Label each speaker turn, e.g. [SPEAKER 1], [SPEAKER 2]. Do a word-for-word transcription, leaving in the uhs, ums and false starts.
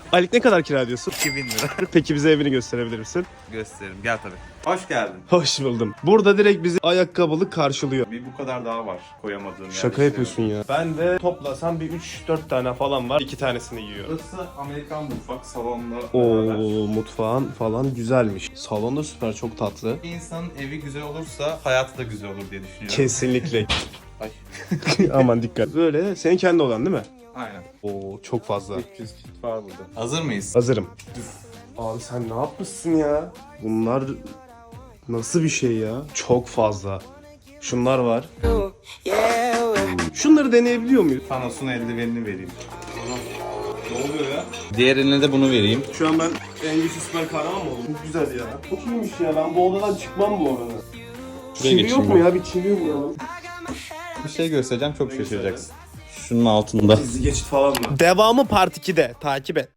[SPEAKER 1] Aylık ne kadar kira ödüyorsun?
[SPEAKER 2] iki bin lira.
[SPEAKER 1] Peki bize evini gösterebilir misin?
[SPEAKER 2] Gösteririm. Gel tabii. Hoş geldin.
[SPEAKER 1] Hoş buldum. Burada direkt bizi ayakkabılık karşılıyor.
[SPEAKER 2] Bir bu kadar daha var koyamadığım
[SPEAKER 1] Şaka yapıyorsun ya. Ben de toplasam bir üç dört tane falan var. iki tanesini giyiyorum.
[SPEAKER 2] Burası Amerikan mutfak salonla
[SPEAKER 1] Oo,
[SPEAKER 2] beraber.
[SPEAKER 1] mutfağın falan güzelmiş. Salon da süper, çok tatlı.
[SPEAKER 2] Bir insanın evi güzel olursa hayatı da güzel olur diye düşünüyorum.
[SPEAKER 1] Kesinlikle.
[SPEAKER 2] Ay.
[SPEAKER 1] Aman dikkat. Böyle senin kendi olan değil mi?
[SPEAKER 2] Aynen.
[SPEAKER 1] Oo, çok fazla.
[SPEAKER 2] üç yüz kit var burada. Hazır mıyız?
[SPEAKER 1] Hazırım. Abi sen ne yapmışsın ya? Bunlar nasıl bir şey ya? Çok fazla. Şunlar var. Şunları deneyebiliyor muyuz?
[SPEAKER 2] Thanos'un eldivenini vereyim.
[SPEAKER 1] Ne oluyor ya?
[SPEAKER 2] Diğer eline de bunu vereyim.
[SPEAKER 1] Şu an ben en güçlü süper kahraman mı oldum? Çok güzel ya. Çok iyiymiş ya. Ben bu odadan çıkmam bu arada.
[SPEAKER 2] Şuraya
[SPEAKER 1] Çivi
[SPEAKER 2] geçeyim
[SPEAKER 1] yok mu
[SPEAKER 2] ben.
[SPEAKER 1] ya? Bir çivi yok mu?
[SPEAKER 2] Bir şey göstereceğim, çok şaşıracaksın. Şunun altında.
[SPEAKER 1] Gizli geçit falan mı? Devamı part ikide. Takip et.